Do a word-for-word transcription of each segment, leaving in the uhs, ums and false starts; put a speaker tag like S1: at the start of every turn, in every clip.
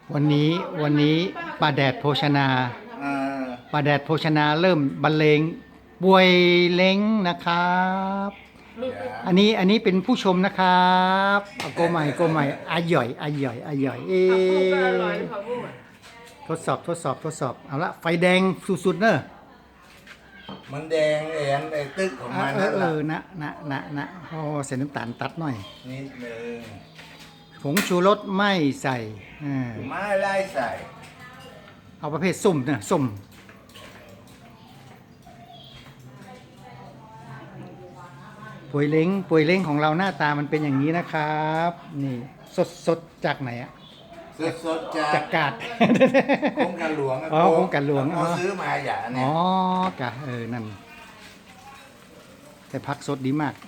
S1: วันนี้วันนี้ป้าแดดโภชนา
S2: อ่า
S1: ป้าแดดโภชนาเริ่มบรรเลงบวยเล้งนะครับ อันนี้อันนี้เป็นผู้ชมนะครับเอาโกใหม่โกใหม่อาหย่อยอาหย่อยอาหย่อยเอทดสอบทดสอบทดสอบเอาละไฟแดงสุดๆเนอะ
S2: มันแดงเอ็นไอ้ตึกของมัน
S1: เอ
S2: นั่
S1: อน เอ
S2: แหละ
S1: อนะนะนะนะโอ้ใส่น้ำตาลตัดหน่อย
S2: นิดนึง
S1: ผงชูรสไม่ใส่อ่า
S2: ไม่ไล่ใส่
S1: เอาประเภทส้มนะส้มป่วยเล้งป่วยเล้งของเราหน้าตามันเป็นอย่างนี้นะครับ นี่สดสดจากไหนอะ
S2: สดสดๆจาก
S1: จากกาด
S2: โครงการหลวงะ
S1: อ๋อโครงการหลวง
S2: เขาซื้อมาอย่า
S1: อ๋
S2: เนี่ย
S1: อกะเออนั่นแต่พักสดดีมาก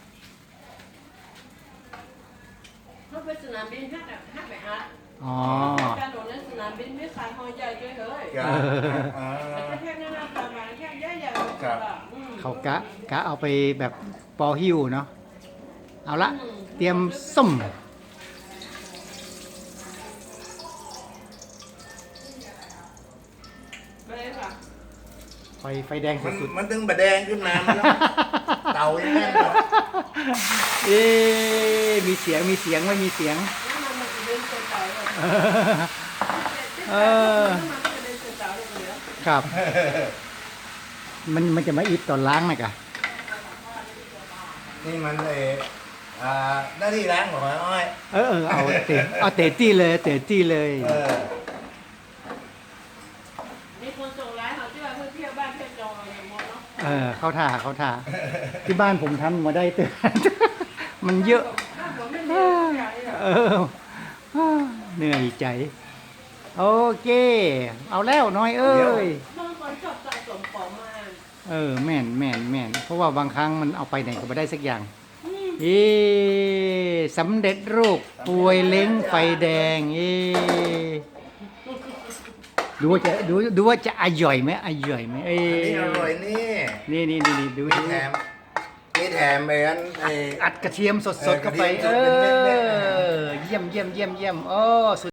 S3: เขาไปสนามบินฮักอะฮักไปฮัก
S1: อ๋อ
S3: การโดดในสนามบินไม่ขายหอยใหญ่ด้วยเฮ้ย
S2: ครับอ่า
S3: แต่แค่นั้นนะประมาณแค่ใหญ่ใหญ่
S2: ครับ
S1: เขากะกะเอาไปแบบปอหิ้วเนาะเอาละเตรียมส้ม
S3: ไปเลยค่ะ
S1: ไฟไฟแดง
S2: มัน
S1: สุด
S2: มันตึงบะแดงขึ้นมามันต้องเตาอย่างนั้นเหรอ
S1: ๆเอ๊ะมีเสียงมีเสียงไม่มีเสียง
S3: น้ำมันมันจะเดินเฉยๆเลย
S1: เออ
S3: น้ำมันมันจะเดินเฉยๆเลยคนเดียว
S1: ครับ มันมันจะมาอิดตอนล้างนะกะ
S2: นี่มันเอออ่าหน้าที่ล้างของอ้อย
S1: เออเออเอาเตะเอาเตะจี้เลยเตะจี้เลย
S2: เออ
S3: มีคนส่งไลน์เขาที่ว่าเพื่อเที่ยวบ้านเที่ยวจองอะไรอย่างเงี้ยเนาะ
S1: เออเข้าท่าเข้าท่าที่บ้านผมทำมาได้เตะ มันเยอะ
S3: ถ้าผมไม่มีอะไรอะ
S1: เออเหนื่อยใจ โอเค เอาแล้วน้อยเอ้ย
S3: บางคนชอบสะสมของมา
S1: เออแม่นแม่นแม่นเพราะว่าบางครั้งมันเอาไปไหนก็ไม่ได้สักอย่าง
S3: อืม
S1: เอ๊สำเร็จรูปป่วยเล้งไฟแดงเอ๊ดูว่าจะดูดูว่าจะอร่อยไหมอร่อยไหมเอ้
S2: อันนี้อร่อยนี่
S1: นี่นี่นี่นี่ดู
S2: มี
S1: ดู
S2: แถมมีแถมไปอันไอ้
S1: อัดกระเทียมสดๆเข้าไป
S2: เอ
S1: เอ
S2: อกระเทียมสดเป็นเม็ดๆเนี่ย
S1: อเยี่ยมเยี่ยมเยี่ยมเยี่ยมโอ้สุด